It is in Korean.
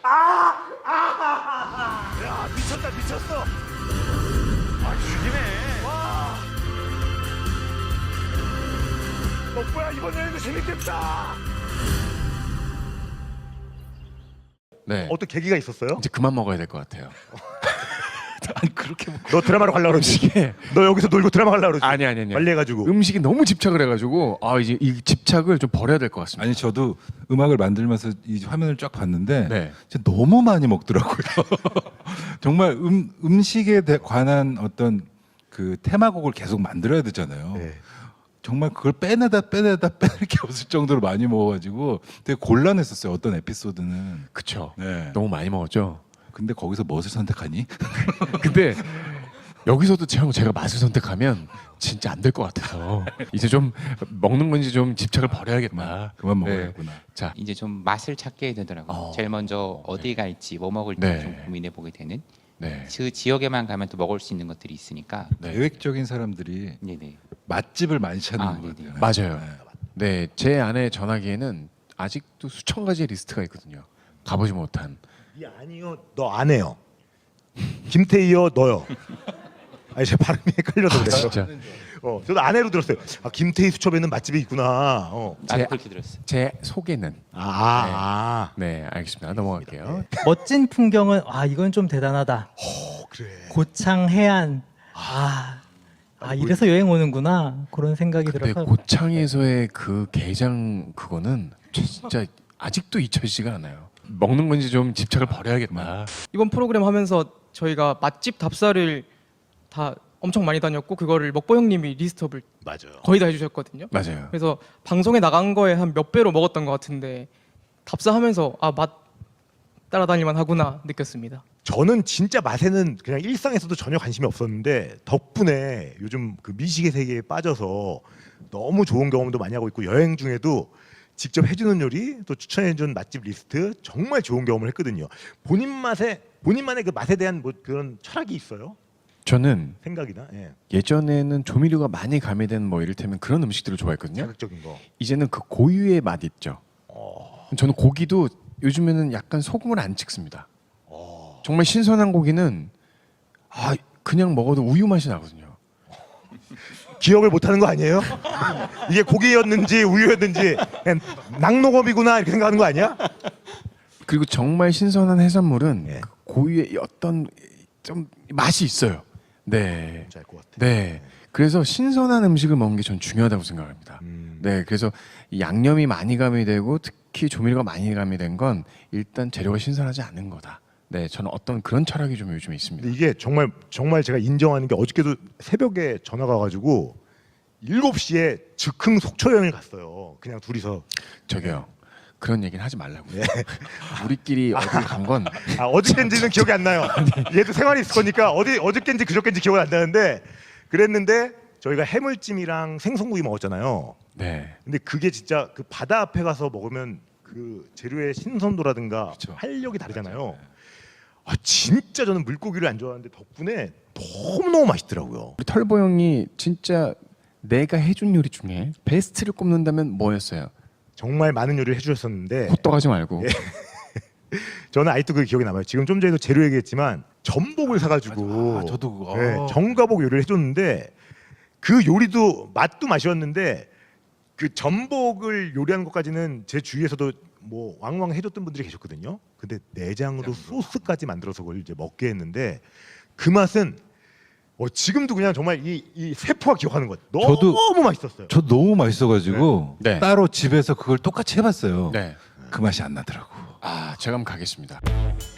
야 미쳤다 미쳤어. 아 죽이네. 와. 뭐야 이번 여행도 재밌겠다. 네. 어떤 계기가 있었어요? 이제 그만 먹어야 될 것 같아요. 아니 그렇게 너 드라마로 가려고 그러지? 음식에 너 여기서 놀고 드라마 가려고 그러지? 아니. 빨리 해가지고. 음식이 너무 집착을 해가지고 이제 이 집착을 좀 버려야 될 것 같습니다. 아니 저도 음악을 만들면서 이 화면을 쫙 봤는데 네. 진짜 너무 많이 먹더라고요. 정말 음식에 관한 어떤 그 테마곡을 계속 만들어야 되잖아요. 네. 정말 그걸 빼내다 빼낼 게 없을 정도로 많이 먹어가지고 되게 곤란했었어요. 어떤 에피소드는. 그쵸. 네. 너무 많이 먹었죠. 근데 거기서 무엇을 선택하니? 근데 여기서도 제가 맛을 선택하면 진짜 안 될 것 같아서 이제 좀 먹는 건지 좀 집착을 버려야겠다. 그만 네. 먹어야겠구나. 자, 이제 좀 맛을 찾게 되더라고요. 제일 먼저 어디 갈지 뭐 먹을지 네. 좀 고민해 보게 되는. 네. 그 지역에만 가면 또 먹을 수 있는 것들이 있으니까. 네. 계획적인 사람들이 네네. 맛집을 많이 찾는 아, 것 네네. 같아요. 맞아요. 네, 제 아내 전화기에는 아직도 수천 가지의 리스트가 있거든요. 가보지 못한. 이 아니요 너 안 해요. 김태희요 너요. 아니 제 발음이 헷갈려서 그래요. 진짜. 저도 아내로 들었어요. 아 김태희 수첩에는 맛집이 있구나. 나도 그렇게 들었어요. 제 속에는. 네, 알겠습니다. 넘어갈게요. 멋진 풍경은 이건 좀 대단하다. 그래. 고창 해안. 이래서 여행 오는구나 그런 생각이 근데 들어서 고창에서의 그 게장 그거는 진짜 아직도 잊혀지지가 않아요. 먹는 건지 좀 집착을 버려야겠다. 이번 프로그램 하면서 저희가 맛집 답사를 다 엄청 많이 다녔고 그거를 먹보 형님이 리스트업을 맞아요. 거의 다 해주셨거든요. 맞아요. 그래서 방송에 나간 거에 한 몇 배로 먹었던 것 같은데 답사하면서 맛 따라다닐만 하구나 느꼈습니다. 저는 진짜 맛에는 그냥 일상에서도 전혀 관심이 없었는데 덕분에 요즘 그 미식의 세계에 빠져서 너무 좋은 경험도 많이 하고 있고 여행 중에도 직접 해주는 요리 또 추천해준 맛집 리스트 정말 좋은 경험을 했거든요. 본인만의 그 맛에 대한 뭐 그런 철학이 있어요? 저는 생각이나 예전에는 조미료가 많이 가미된 뭐 이를테면 그런 음식들을 좋아했거든요. 자극적인 거. 이제는 그 고유의 맛 있죠. 저는 고기도 요즘에는 약간 소금을 안 찍습니다. 정말 신선한 고기는 그냥 먹어도 우유 맛이 나거든요. 기억을 못하는 거 아니에요? 이게 고기였는지 우유였는지 그냥 낙농업이구나 이렇게 생각하는 거 아니야? 그리고 정말 신선한 해산물은 예. 그 고유의 어떤 좀 맛이 있어요. 네. 뭔지 알 것 같아. 네. 그래서 신선한 음식을 먹는 게 전 중요하다고 생각합니다. 네. 그래서 이 양념이 많이 가미되고 특히 조미료가 많이 가미된 건 일단 재료가 신선하지 않은 거다. 네. 저는 어떤 그런 철학이 좀 요즘에 있습니다. 근데 이게 정말 제가 인정하는 게 어저께도 새벽에 전화가 와가지고 7시에 즉흥 속초 여행을 갔어요. 그냥 둘이서. 저기요. 그런 얘기는 하지 말라고요. 우리끼리 어딜 간 건 어저께인지는 기억이 안 나요. 얘도 생활이 있을 거니까 어저께인지 그저께인지 기억이 안 나는데 그랬는데 저희가 해물찜이랑 생선구이 먹었잖아요. 네. 근데 그게 진짜 그 바다 앞에 가서 먹으면 그 재료의 신선도라든가 그쵸. 활력이 다르잖아요. 진짜 저는 물고기를 안 좋아하는데 덕분에 너무너무 맛있더라고요. 우리 털보 형이 진짜 내가 해준 요리 중에 베스트를 꼽는다면 뭐였어요? 정말 많은 요리를 해주셨었는데 호떡하지 말고. 저는 아직도 그 기억이 남아요. 지금 좀 전에도 재료 얘기했지만 전복을 사가지고 저도 그거. 전가복 요리를 해줬는데 그 요리도 맛도 맛이었는데 그 전복을 요리하는 것까지는 제 주위에서도 뭐 왕왕 해줬던 분들이 계셨거든요. 근데 내장으로 소스까지 만들어서 그걸 이제 먹게 했는데 그 맛은 지금도 그냥 정말 이 세포가 기억하는 것. 너무 맛있었어요. 저 너무 맛있어가지고 네. 따로 집에서 그걸 똑같이 해봤어요. 네. 그 맛이 안 나더라고. 제가 한번 가겠습니다.